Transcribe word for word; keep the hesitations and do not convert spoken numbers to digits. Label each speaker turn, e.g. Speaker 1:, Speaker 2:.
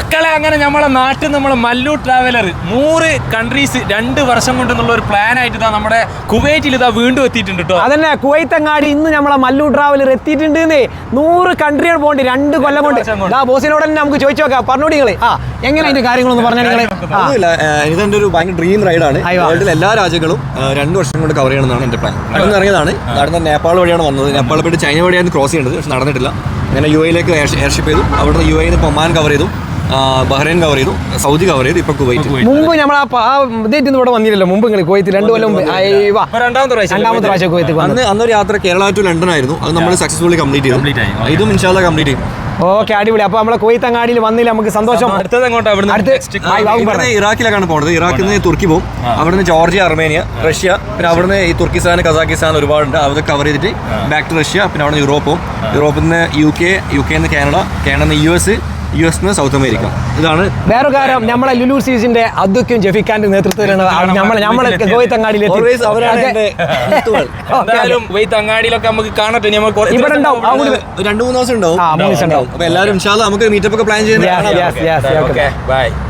Speaker 1: മക്കളെ അങ്ങനെ നമ്മളെ നാട്ടിൽ നമ്മളെ മല്ലു ട്രാവലർ നൂറ് കൺട്രീസ് രണ്ട് വർഷം കൊണ്ടെന്നുള്ള ഒരു പ്ലാൻ ആയിട്ട് ഇതാ നമ്മുടെ കുവൈറ്റിൽ ഇതാ വീണ്ടും എത്തിയിട്ടുണ്ട് കേട്ടോ. അതന്നെ
Speaker 2: കുവൈത്തങ്ങാടി ഇന്ന് നമ്മളെ മല്ലു ട്രാവലർ എത്തിയിട്ടുണ്ട്. നൂറ് കൺട്രികൾ പോകണ്ട് രണ്ട് കൊല്ലം കൊണ്ട്. ബോസിനോട് തന്നെ നമുക്ക് ചോദിച്ചു നോക്കാം. പറഞ്ഞോടി നിങ്ങള് ആ എങ്ങനെ അതിന്റെ കാര്യങ്ങളൊന്ന് പറഞ്ഞാൽ
Speaker 3: ഇതെന്റെ ഒരു ഭയങ്കര ഡ്രീം റൈഡാണ്. വേൾഡിലെ എല്ലാ രാജ്യങ്ങളും രണ്ട് വർഷം കൊണ്ട് കവർ ചെയ്യണമെന്നാണ് എന്റെ പ്ലാൻ. നടന്ന് ഇറങ്ങിയതാണ്. നടന്ന നേപ്പാൾ വഴിയാണ് വന്നത്. നേപ്പാൾ പോയിട്ട് ചൈന വഴിയാണ് ക്രോസ് ചെയ്യേണ്ടത്. പക്ഷെ നടന്നിട്ടില്ല. അങ്ങനെ യു എയിലേക്ക് എയർഷിപ്പ് ചെയ്തു. അവിടുന്ന് യു എയിൽ നിന്ന് ഒമാൻ കവർ ചെയ്തു, ബഹ്റൈൻ കവർ ചെയ്തു, സൗദി കവർ ചെയ്തു, ഇപ്പൊ കുവൈറ്റ്.
Speaker 2: മുമ്പ് നമ്മൾ ആ ഇതേറ്റ് ഇവിടെ വന്നില്ലല്ലോ. മുമ്പ് നിങ്ങൾ കുവൈറ്റ് രണ്ട് കൊല്ലം രണ്ടാമത്തെ പ്രാവശ്യം കുവൈറ്റ്
Speaker 3: അന്ന് അന്നൊരു യാത്ര കേരള ടു ലണ്ടൻ ആയിരുന്നു. അത് നമ്മൾ സക്സസ്ഫുള്ളി കംപ്ലീറ്റ് ചെയ്തു. ഇതും ഇൻഷാല്ലാ കംപ്ലീറ്റ് ചെയ്യും.
Speaker 2: ഓക്കെ, അടിപൊളി. അപ്പൊ നമ്മളെ കുവൈത്തങ്ങാടിയിൽ വന്നില്ല, നമുക്ക് സന്തോഷം.
Speaker 3: ഇറാഖിലേക്കാണ് പോകുന്നത്. ഇറാഖിൽ നിന്ന് തുർക്കി പോകും, അവിടുന്ന് ജോർജിയ, അർമേനിയ, റഷ്യ, പിന്നെ അവിടുന്ന് ഈ തുർക്കിസ്ഥാൻ, കസാക്കിസ്ഥാൻ ഒരുപാടുണ്ട്. അതൊക്കെ കവർ ചെയ്തിട്ട് ബാക്ക് ടു റഷ്യ, പിന്നെ അവിടെ യൂറോപ്പ് പോകും. യൂറോപ്പിൽ നിന്ന് യു കെ, യു കെ നിന്ന് കാനഡ, കാനഡ നിന്ന് യു എസ്, യു എസ് നിന്ന് സൗത്ത് അമേരിക്ക. ഇതാണ്
Speaker 2: വേറെ കാര്യം. നമ്മളെ ലുലു സീസിന്റെ അദ്വക്കും ജഫിഖാന്റെ നേതൃത്വത്തിലാണ് നമ്മളെ നമ്മളെ കുവൈത്തങ്ങാടിയിൽ
Speaker 1: കുവൈത്തങ്ങാടിയിലൊക്കെ നമുക്ക് കാണട്ടെ.
Speaker 2: ഇവിടെ ഉണ്ടാവും
Speaker 3: രണ്ടു മൂന്ന് ദിവസം ഉണ്ടാവും. അപ്പൊ എല്ലാവരും നമുക്ക് മീറ്റപ്പ് ഒക്കെ പ്ലാൻ ചെയ്യുന്നത്.
Speaker 1: ബൈ.